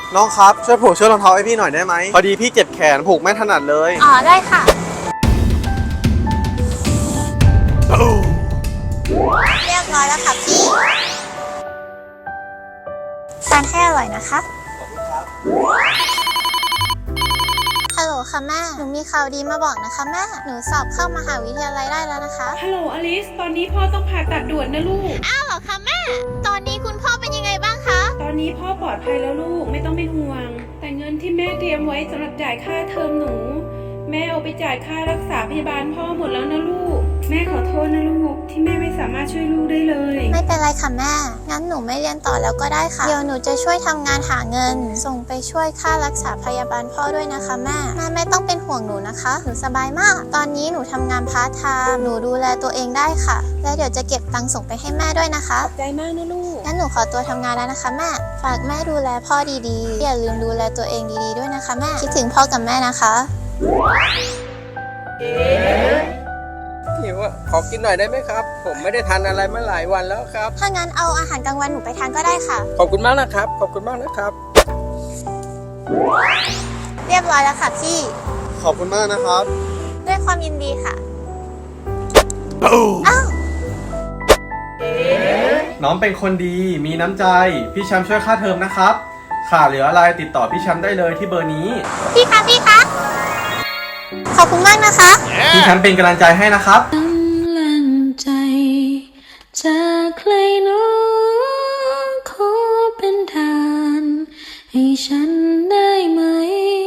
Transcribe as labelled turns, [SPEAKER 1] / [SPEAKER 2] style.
[SPEAKER 1] น้องครับช่วยผูกเชือกรองเท้าให้พี่หน่อยได้ไหมพอดีพี่เจ็บแขนผูกไม่ถนัดเลย
[SPEAKER 2] อ๋อได้ค่ะเรียบร้อยแล้วค่ะพี่ทานให้อร่อยนะคะฮัลโหลค่ะแม่หนูมีข่าวดีมาบอกนะคะแม่หนูสอบเข้ามหาวิทยาลัยได้แล้วนะคะ
[SPEAKER 3] ฮัลโหลอลิสตอนนี้พ่อต้องผ่าตัดด่วนนะลูก
[SPEAKER 2] อ้าวเหรอคะแม่ตอนนี้คุณพ่อเป็นยังไงบ้างคะ
[SPEAKER 3] ตอนนี้พ่อปลอดภัยแล้วลูกไม่ต้องเป็นห่วงแต่เงินที่แม่เตรียมไว้สำหรับจ่ายค่าเทอมหนูแม่เอาไปจ่ายค่ารักษาพยาบาลพ่อหมดแล้วนะลูกแม่ขอโทษนะลูกที่แม่ไม่สามารถช่วยลูกได้เลย
[SPEAKER 2] ไม่เป็นไรค่ะแม่งั้นหนูไม่เรียนต่อแล้วก็ได้ค่ะเดี๋ยวหนูจะช่วยทำงานหาเงินส่งไปช่วยค่ารักษาพยาบาลพ่อด้วยนะคะแม่ไม่ต้องเป็นห่วงหนูนะคะหนูสบายมากตอนนี้หนูทำงานพาร์ทไทม์หนูดูแลตัวเองได้ค่ะและเดี๋ยวจะเก็บตังค์ส่งไปให้แม่ด้วยนะคะ
[SPEAKER 3] ขอบใจมากนะลูก
[SPEAKER 2] งั้นหนูขอตัวทำงานแล้วนะคะแม่ฝากแม่ดูแลพ่อดีๆอย่าลืมดูแลตัวเองดีๆด้วยนะคะแม่คิดถึงพ่อกับแม่นะคะ
[SPEAKER 4] หิวอ่ะขอกินหน่อยได้ไหมครับผมไม่ได้ทานอะไรมาหลายวันแล้วครับ
[SPEAKER 2] ถ้างั้นเอาอาหารกลางวันหนูไปทานก็ได้ค่ะ
[SPEAKER 4] ขอบคุณมากนะครับขอบคุณมากนะครับ
[SPEAKER 2] เรียบร้อยแล้วค่ะพี่
[SPEAKER 1] ขอบคุณมากนะครับ
[SPEAKER 2] ด้วยความยินดีค่ะอ้าว
[SPEAKER 1] น้องเป็นคนดีมีน้ำใจพี่แชมป์ช่วยค่าเทอมนะครับขาดเหลืออะไรติดต่อพี่แชมป์ได้เลยที่เบอร์นี้
[SPEAKER 2] พี่คะขอบคุณมากนะคะ
[SPEAKER 1] พี่แชมป์เป็นกำลังใจให้นะครับ
[SPEAKER 5] กำลังใจจากใครน้องขอเป็นทานให้ฉัน